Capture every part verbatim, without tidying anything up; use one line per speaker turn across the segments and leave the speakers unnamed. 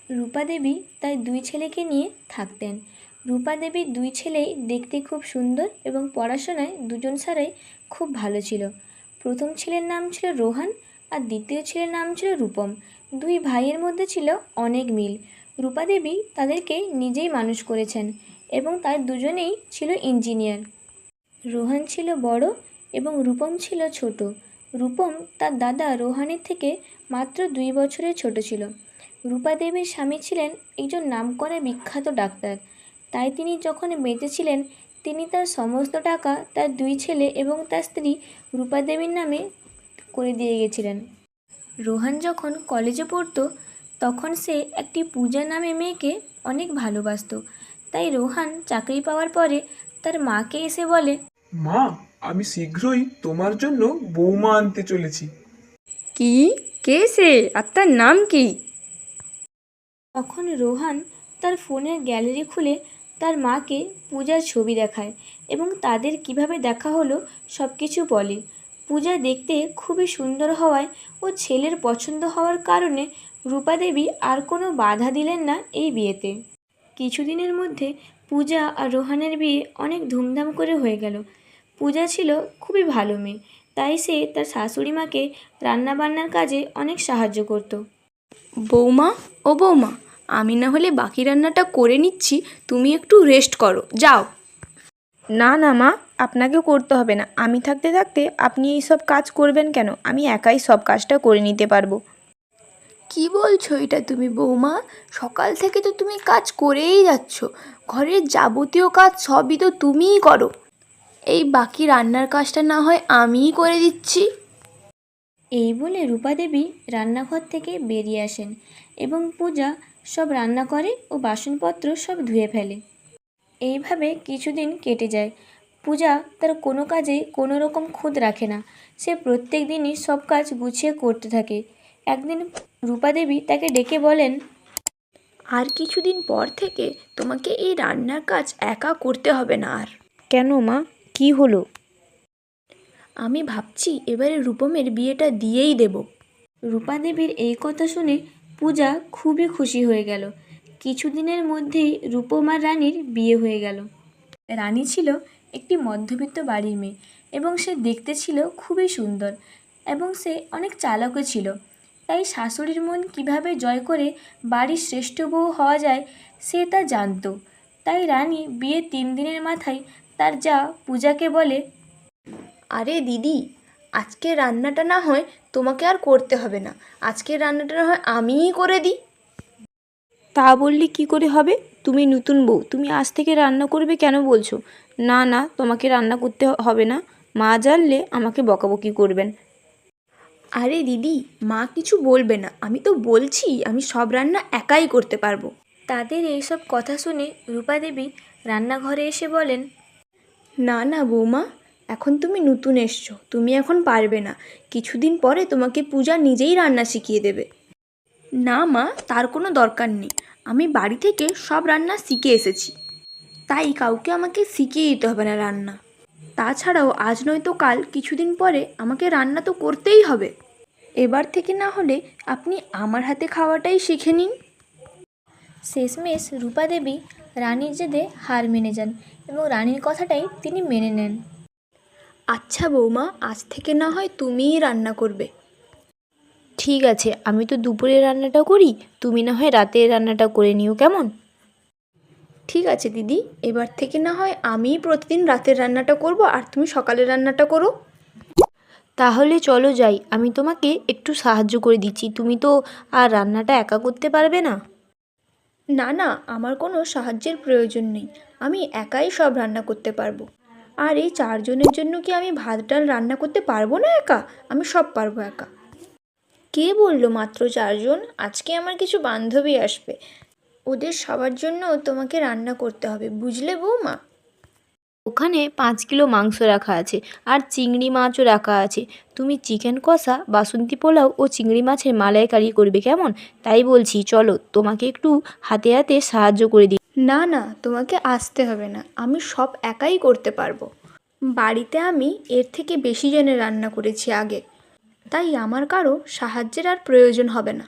রূপা দেবী তার দুই ছেলেকে নিয়ে থাকতেন। রূপা দেবীর দুই ছেলেই দেখতে খুব সুন্দর এবং পড়াশোনায় দুজন ছাড়াই খুব ভালো ছিল। প্রথম ছেলের নাম ছিল রোহান আর দ্বিতীয় ছেলের নাম ছিল রূপম। দুই ভাইয়ের মধ্যে ছিল অনেক মিল। রূপা দেবী তাদেরকে নিজেই মানুষ করেছেন এবং তার দুজনেই ছিল ইঞ্জিনিয়ার। রোহান ছিল বড় এবং রূপম ছিল ছোট। রূপম তার দাদা রোহানের থেকে মাত্র দুই বছরের ছোট ছিল। রূপা দেবীর স্বামী ছিলেন একজন নামকরা বিখ্যাত ডাক্তার, তাই তিনি যখন বেঁচে ছিলেন তিনি তার সমস্ত টাকা তার দুই ছেলে এবং তার স্ত্রী রূপা দেবীর নামে করে দিয়ে গেছিলেন। রোহান যখন কলেজে পড়তো তখন সে একটি পূজা নামে মেয়েকে অনেক ভালোবাসতো। তাই রোহান চাকরি পাওয়ার পরে তার মাকে এসে বলে,
মা, আমি শীঘ্রই তোমার জন্য বৌমা আনতে চলেছি।
কি? কে সে? আর তার নাম কি?
তখন রোহান তার ফোনের গ্যালারি খুলে তার মাকে পূজার ছবি দেখায় এবং তাদের কিভাবে দেখা হলো সব কিছু বলে। পূজা দেখতে খুবই সুন্দর হওয়ায় ও ছেলের পছন্দ হওয়ার কারণে রূপা দেবী আর কোনো বাধা দিলেন না এই বিয়েতে। কিছুদিনের মধ্যে পূজা আর রোহানের বিয়ে অনেক ধুমধাম করে হয়ে গেল। পূজা ছিল খুবই ভালো মেয়ে, তাই সে তার শাশুড়ি মাকে রান্নাবান্নার কাজে অনেক সাহায্য করত।
বৌমা, ও বৌমা, আমি না হলে বাকি রান্নাটা করে নিচ্ছি, তুমি একটু রেস্ট করো, যাও। না না মা, আপনাকে করতে হবে না। আমি থাকতে থাকতে আপনি এই সব কাজ করবেন কেন? আমি একাই সব কাজটা করে নিতে পারবো। কি বলছো এটা তুমি বৌমা? সকাল থেকে তো তুমি কাজ করেই যাচ্ছ, ঘরের যাবতীয় কাজ সবই তো তুমিই করো। এই বাকি রান্নার কাজটা না হয় আমিই করে দিচ্ছি।
এই বলে রূপা দেবী রান্নাঘর থেকে বেরিয়ে আসেন এবং পূজা সব রান্না করে ও বাসনপত্র সব ধুয়ে ফেলে। এইভাবে কিছুদিন কেটে যায়। পূজা তার কোনো কাজে কোনো রকম খুঁত রাখে না, সে প্রত্যেক দিনই সব কাজ গুছিয়ে করতে থাকে। একদিন রূপা দেবী তাকে ডেকে বলেন,
আর কিছুদিন পর থেকে তোমাকে এই রান্নার কাজ একা করতে হবে না আর। কেন মা, কি হলো? আমি ভাবছি এবারে রূপমের বিয়েটা দিয়েই দেব।
রূপা দেবীর এই কথা শুনে পূজা খুবই খুশি হয়ে গেল। কিছুদিনের মধ্যেই রূপম আর রানীর বিয়ে হয়ে গেল। রানী ছিল একটি মধ্যবিত্ত বাড়ির মেয়ে এবং সে দেখতে ছিল খুবই সুন্দর এবং সে অনেক চালাকও ছিল। তাই শাশুড়ির মন কিভাবে জয় করে বাড়ির শ্রেষ্ঠ বউ হওয়া যায় সে তা জানতো। তাই রানী বিয়ের তিন দিনের মাথায় তার যা পূজাকে বলে,
আরে দিদি, আজকে রান্নাটা না হয় তোমাকে আর করতে হবে না, আজকের রান্নাটা না হয় আমিই করে দিই। তা বললে কি করে হবে? তুমি নতুন বউ, তুমি আজ থেকে রান্না করবে কেন বলছো? না না, তোমাকে রান্না করতে হবে না, মা জানলে আমাকে বকাবকি করবেন। আরে দিদি, মা কিছু বলবে না, আমি তো বলছি আমি সব রান্না একাই করতে পারবো।
তাদের এইসব কথা শুনে রূপা দেবী রান্নাঘরে এসে বলেন,
না না বৌমা, এখন তুমি নতুন এসছো, তুমি এখন পারবে না। কিছুদিন পরে তোমাকে পূজা নিজেই রান্না শিখিয়ে দেবে। না মা, তার কোনো দরকার নেই, আমি বাড়ি থেকে সব রান্না শিখে এসেছি, তাই কাউকে আমাকে শিখিয়ে দিতে হবে না রান্না। তাছাড়াও আজ নয়তো কাল কিছুদিন পরে আমাকে রান্না তো করতেই হবে। এবার থেকে না হলে আপনি আমার হাতে খাওয়াটাই শিখে নিন।
শেষমেশ রূপা দেবী রানীর জেদে হার মেনে যান এবং রানীর কথাটাই তিনি মেনে নেন।
আচ্ছা বৌমা, আজ থেকে না হয় তুমিই রান্না করবে। ঠিক আছে, আমি তো দুপুরের রান্নাটা করি, তুমি না হয় রাতের রান্নাটা করে নিও, কেমন? ঠিক আছে দিদি, এবার থেকে না হয় আমিই প্রতিদিন রাতের রান্নাটা করব আর তুমি সকালের রান্নাটা করো। তাহলে চলো যাই, আমি তোমাকে একটু সাহায্য করে দিচ্ছি, তুমি তো আর রান্নাটা একা করতে পারবে না। না না, আমার কোনো সাহায্যের প্রয়োজন নেই, আমি একাই সব রান্না করতে পারবো। আর এই চারজনের জন্য কি আমি ভাত ডাল রান্না করতে পারবো না একা? আমি সব পারবো একা। কে বললো মাত্র চারজন? আজকে আমার কিছু বান্ধবী আসবে, ওদের সবার জন্য তোমাকে রান্না করতে হবে, বুঝলে বৌমা? ওখানে পাঁচ কিলো মাংস রাখা আছে আর চিংড়ি মাছও রাখা আছে। তুমি চিকেন কষা, বাসন্তী পোলাও ও চিংড়ি মাছের মালাইকারি করবে, কেমন? তাই বলছি চলো, তোমাকে একটু হাতে হাতে সাহায্য করে দিই। না না, তোমাকে আসতে হবে না, আমি সব একাই করতে পারবো। বাড়িতে আমি এর থেকে বেশি জনের রান্না করেছি আগে, তাই আমার কারো সাহায্যের আর প্রয়োজন হবে না।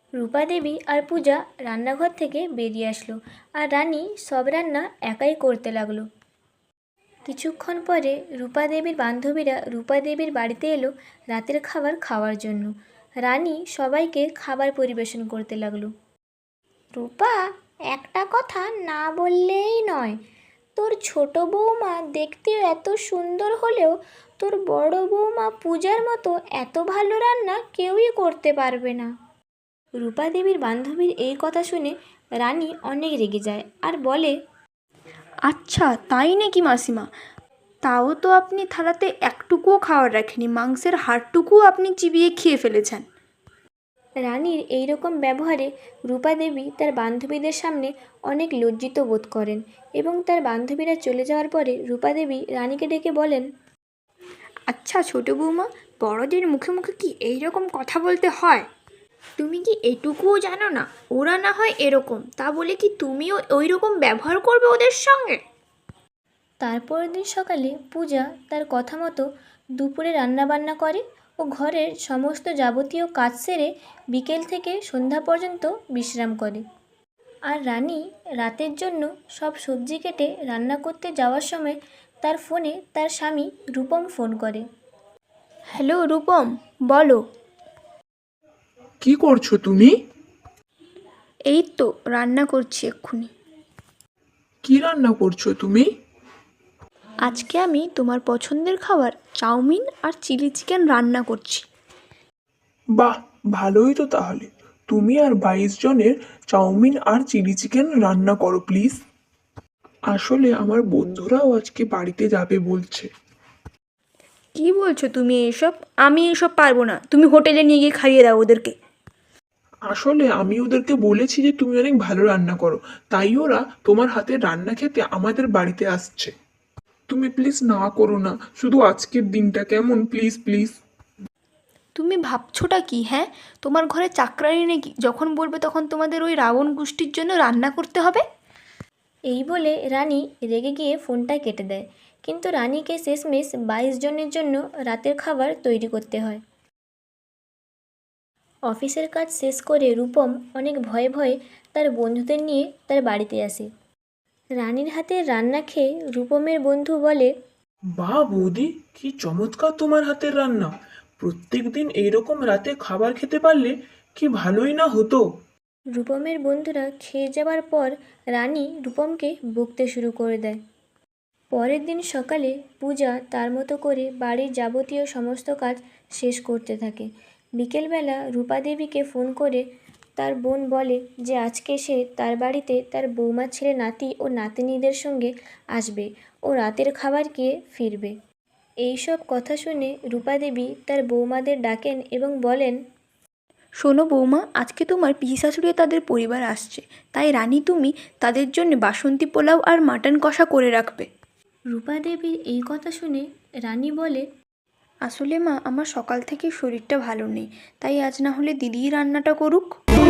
রূপা দেবী আর পূজা রান্নাঘর থেকে বেরিয়ে আসলো আর রানী সব রান্না একাই করতে লাগলো। কিছুক্ষণ পরে রূপা দেবীর বান্ধবীরা রূপা দেবীর বাড়িতে এলো রাতের খাবার খাওয়ার জন্য। রানী সবাইকে খাবার পরিবেশন করতে লাগলো। রূপা, একটা কথা না বললেই নয়, তোর ছোট বৌমা দেখতে এত সুন্দর হলেও তোর বড় বৌমা পূজার মতো এত ভালো রান্না কেউই করতে পারবে না। রূপা দেবীর বান্ধবীর এই কথা শুনে রানী অনেক রেগে যায় আর বলে,
আচ্ছা তাই নাকি মাসিমা? তাও তো আপনি থালাতে একটুকুও খাওয়ার রাখেনি, মাংসের হাড়টুকুও আপনি চিবিয়ে খেয়ে ফেলেছেন।
রানীর এই রকম ব্যবহারে রূপা দেবী তার বান্ধবীদের সামনে অনেক লজ্জিত বোধ করেন এবং তার বান্ধবীরা চলে যাওয়ার পরে রূপা দেবী রানীকে ডেকে বলেন,
আচ্ছা ছোট বৌমা, বড়দের মুখে মুখে কি এই রকম কথা বলতে হয়? তুমি কি এটুকুও জানো না ওরা না হয় এরকম, তা বলে কি তুমিও ওই রকম ব্যবহার করবে ওদের সঙ্গে?
তারপরের দিন সকালে পূজা তার কথা মতো দুপুরে রান্নাবান্না করে ও ঘরের সমস্ত যাবতীয় কাজ সেরে বিকেল থেকে সন্ধ্যা পর্যন্ত বিশ্রাম করে। আর রানী রাতের জন্য সব সবজি কেটে রান্না করতে যাওয়ার সময় তার ফোনে তার স্বামী রূপম ফোন করে।
হ্যালো রূপম, বলো।
কি করছো তুমি?
এই তো রান্না করছি এক্ষুনি।
কি রান্না করছো তুমি?
আজকে আমি তোমার পছন্দের খাবার চাউমিন আর চিলি চিকেন রান্না করছি।
বাহ, ভালোই তো তাহলে। তুমি আর বাইশ জনের চাউমিন আর চিলি চিকেন রান্না করো প্লিজ। আসলে আমার বন্ধুরাও আজকে বাড়িতে যাবে বলছে।
কি বলছো তুমি এসব? আমি এসব পারবো না, তুমি হোটেলে নিয়ে গিয়ে খাইয়ে দাও ওদেরকে।
আসলে আমি ওদেরকে বলেছি যে তুমি অনেক ভালো রান্না করো, তাই ওরা তোমার হাতের রান্না খেতে আমাদের বাড়িতে আসছে। তুমি প্লিজ না করো না, শুধু আজকের দিনটা, কেমন? Please please.
তুমি ভাবছোটা কি? হ্যাঁ, তোমার ঘরে চাকরানি নাকি, যখন বলবে তখন তোমাদের ওই রাবণ গোষ্ঠীর জন্য রান্না করতে হবে?
এই বলে রানী রেগে গিয়ে ফোনটা কেটে দেয়, কিন্তু রানীকে শেষমেশ বাইশ জনের জন্য রাতের খাবার তৈরি করতে হয়। অফিসের কাজ শেষ করে রূপম অনেক ভয়ে ভয়ে তার বন্ধুদের নিয়ে তার বাড়িতে আসে। রানীর হাতের রান্না খেয়ে রূপমের বন্ধু বলে,
বাহ বৌদি, কি চমৎকার তোমার হাতের রান্না। প্রত্যেক দিন এইরকম রাতে খাবার খেতে পারলে কি ভালোই না হতো।
রূপমের বন্ধুরা খেয়ে যাওয়ার পর রানী রূপমকে বকতে শুরু করে দেয়। পরের দিন সকালে পূজা তার মতো করে বাড়ির যাবতীয় সমস্ত কাজ শেষ করতে থাকে। বিকেলবেলা রূপা দেবীকে ফোন করে তার বোন বলে যে আজকে সে তার বাড়িতে তার বৌমা ছেলে নাতি ও নাতনিদের সঙ্গে আসবে ও রাতের খাবার খেয়ে ফিরবে। এইসব কথা শুনে রূপা দেবী তার বৌমাদের ডাকেন এবং বলেন,
শোনো বৌমা, আজকে তোমার পিসি শাশুড়ি তাদের পরিবার আসছে, তাই রানী তুমি তাদের জন্য বাসন্তী পোলাও আর মাটন কষা করে রাখবে।
রূপা দেবীর এই কথা শুনে রানী বলে,
আসলে মা, আমার সকাল থেকে শরীরটা ভালো নেই, তাই আজ না হলে দিদিই রান্নাটা করুক।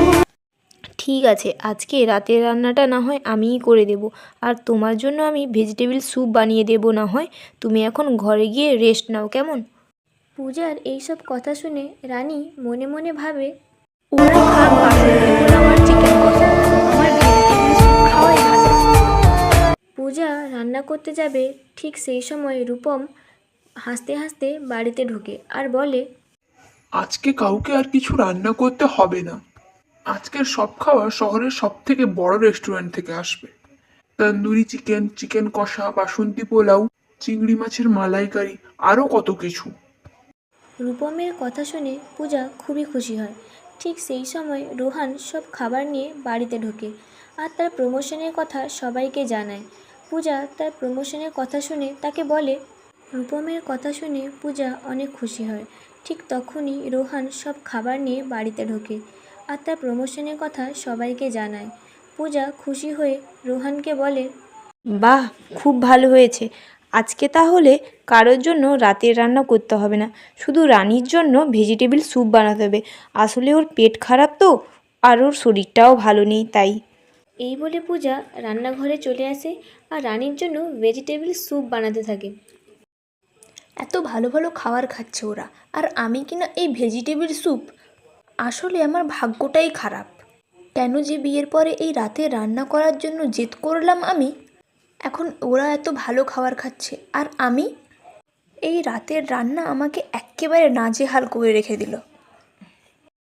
ঠিক আছে, আজকে রাতের রান্নাটা না হয় আমিই করে দেব, আর তোমার জন্য আমি ভেজিটেবিল স্যুপ বানিয়ে দেব না হয়। তুমি এখন ঘরে গিয়ে রেস্ট নাও, কেমন?
পূজার এইসব কথা শুনে রানী মনে মনে ভাবে,
ওরা খাক বাসন্তী পোলাও আর চিকেন কষা, আমার ভেজিটেবিল স্যুপ খাওয়াই ভালো।
পূজা রান্না করতে যাবে, ঠিক সেই সময় রূপম হাসতে হাসতে বাড়িতে ঢোকে আর বলে,
আজকে কাউকে আর কিছু রান্না করতে হবে না। আজকের সব খাবার শহরের সব থেকে বড় রেস্টুরেন্ট থেকে আসবে। তন্দুরি চিকেন, চিকেন কষা, বাসন্তী পোলাও, চিংড়ি মাছের মালাইকারি, আরও কত কিছু।
রূপমের কথা শুনে পূজা খুবই খুশি হয়। ঠিক সেই সময় রোহান সব খাবার নিয়ে বাড়িতে ঢোকে আর তার প্রমোশনের কথা সবাইকে জানায়। পূজা তার প্রমোশনের কথা শুনে তাকে বলে। রূপমের কথা শুনে পূজা অনেক খুশি হয়। ঠিক তখনই রোহান সব খাবার নিয়ে বাড়িতে ঢোকে আর তার প্রমোশনের কথা সবাইকে জানায়। পূজা খুশি হয়ে রোহানকে বলে,
বাহ, খুব ভালো হয়েছে। আজকে তাহলে কারোর জন্য রাতের রান্না করতে হবে না, শুধু রানীর জন্য ভেজিটেবিল স্যুপ বানাতে হবে। আসলে ওর পেট খারাপ তো, আর ওর শরীরটাও ভালো নেই, তাই।
এই বলে পূজা রান্নাঘরে চলে আসে আর রানীর জন্য ভেজিটেবিল স্যুপ বানাতে থাকে।
এত ভালো ভালো খাবার খাচ্ছে ওরা, আর আমি কিনা এই ভেজিটেবিল স্যুপ। আসলে আমার ভাগ্যটাই খারাপ। কেন যে বিয়ের পরে এই রাতে রান্না করার জন্য জেদ করলাম আমি। এখন ওরা এত ভালো খাবার খাচ্ছে আর আমি, এই রাতের রান্না আমাকে এক্কেবারে নাজেহাল করে রেখে দিল।